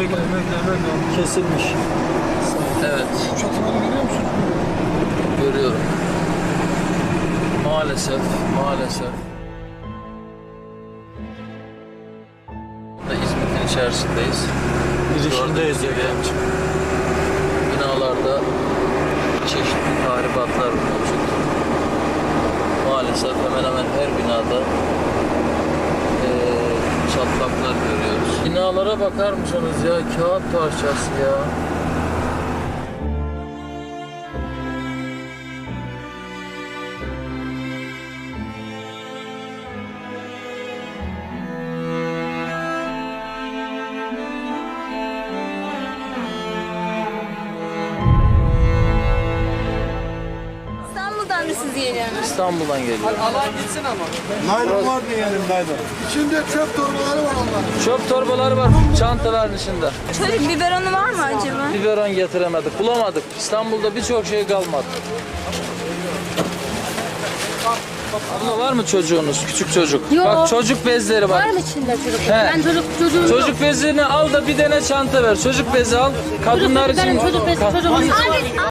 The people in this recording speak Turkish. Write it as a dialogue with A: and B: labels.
A: Kesilmiş.
B: Evet.
C: Çatıları görüyor musun?
B: Görüyorum. Maalesef. İzmit'in içerisindeyiz.
A: Girişindeyiz
B: Gördüğünüz gibi binalarda çeşitli tahribatlar mevcut. Maalesef hemen hemen her binada çatlaklar görüyoruz. Binalara bakar mısınız ya? Kağıt parçası ya.
D: İstanbul'dan mı siz geliyorsunuz?
B: İstanbul'dan geliyor.
C: Naylon var mı yani naylon? İçinde çöp torbaları var onların.
B: Çöp torbaları var çantaların içinde.
D: Çocuk biberonu var mı acaba?
B: Biberon getiremedik, bulamadık. İstanbul'da birçok şey kalmadı. Abla var mı çocuğunuz, küçük çocuk?
D: Yok.
B: Bak çocuk bezleri var.
D: Var mı içinde çocuk?
B: He.
D: Ben çocuğum yok.
B: Çocuk bezini al da bir tane çanta ver. Çocuk bezi al. Kadınlar için.
D: Benim çocuk bezi çocuğum yok.